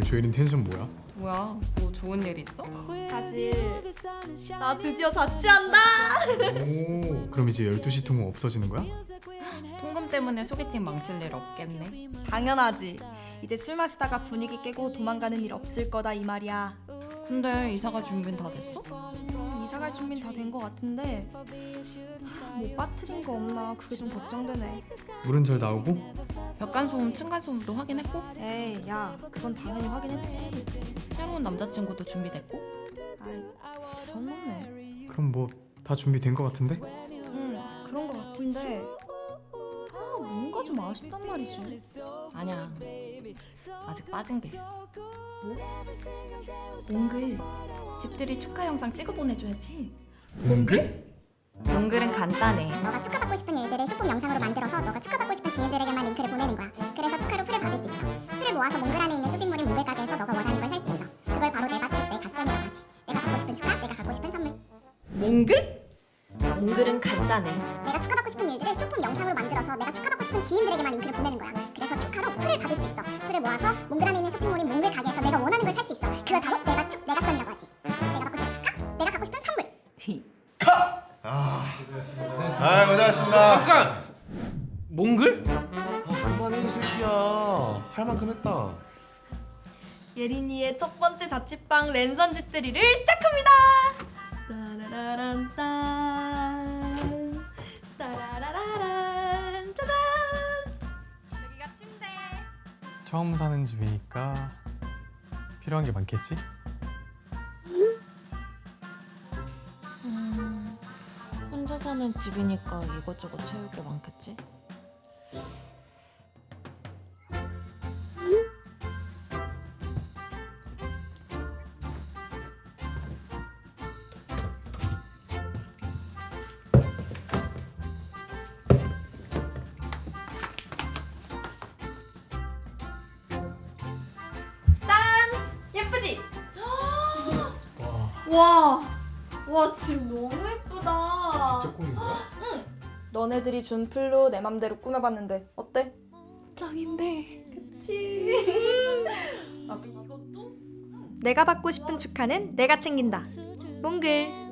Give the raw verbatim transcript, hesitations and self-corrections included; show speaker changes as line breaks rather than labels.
조혜린 텐션 뭐야?
뭐야? 뭐 좋은 일 있어?
사실 나 드디어 자취한다.
오, 그럼 이제 열두 시 통은 없어지는 거야?
통금 때문에 소개팅 망칠 일 없겠네.
당연하지. 이제 술 마시다가 분위기 깨고 도망가는 일 없을 거다 이 말이야.
근데 이사가 준비는 다 됐어?
음, 이사 갈 준비는 다 된 거 같은데 하, 뭐 빠뜨린 거 없나 그게 좀 걱정되네.
물은 잘 나오고?
벽간소음, 층간소음도 확인했고?
에이 야 그건 당연히 확인했지.
새로운 남자친구도 준비됐고?
아이 진짜 선 넘네.
그럼 뭐 다 준비된 거 같은데?
응 그런 거 같은데 아 뭔가 좀 아쉽단 말이지.
아니야. 아직 빠진 게 있어.
뭐?
몽글. 집들이 축하 영상 찍어 보내줘야지.
몽글?
몽글은 간단해.
너가 축하받고 싶은 일들을 쇼폼 영상으로 만들어서 너가 축하받고 싶은 지인들에게만 링크를 보내는 거야. 그래서 축하로 풀을 받을 수 있어. 풀을 모아서 몽글 안에 있는 쇼핑몰인 몽글 가게에서 너가 원하는 걸 살 수 있어. 그걸 바로 내 맛집, 내 갓선이라고 하지. 내가 받고 싶은 축하, 내가 갖고 싶은 선물.
몽글? 몽글은 간단해.
내가 축하받고 싶은 일들을 쇼폼 영상으로 만들어서 내가 축하받고 싶은 지인들에게만 링크를 보내는 거야. 그래서 축하로 풀을 받을 수 있어. 풀을 모아서 몽글 안에 있는 쇼핑몰인 몽글 가게에서 내가 원하는 걸 살 수 있어. 그걸 바로 내 맛축, 내 갓선이라고 하지. 내가 받고 싶은 축하, 내가 갖고 싶은 선물.
아, 아 고생하셨습니다.
잠깐! 몽글?
아, 그만해 이 새끼야. 할 만큼 했다.
예린이의 첫 번째 자취방 랜선 집들이를 시작합니다. 따라라란딴 따라라란 짜잔. 여기가 침대.
처음 사는 집이니까 필요한 게 많겠지?
음, 혼자 사는 집이니까 이것저것 채울 게 많겠지?
예쁘지?
와,
와, 와 집 너무 예쁘다.
직접 꾸민 거야?
너네들이 준 풀로 내 맘대로 꾸며봤는데 어때? 짱인데. 그치? 나도 이것도? 내가 받고 싶은 축하는 내가 챙긴다. 몽글.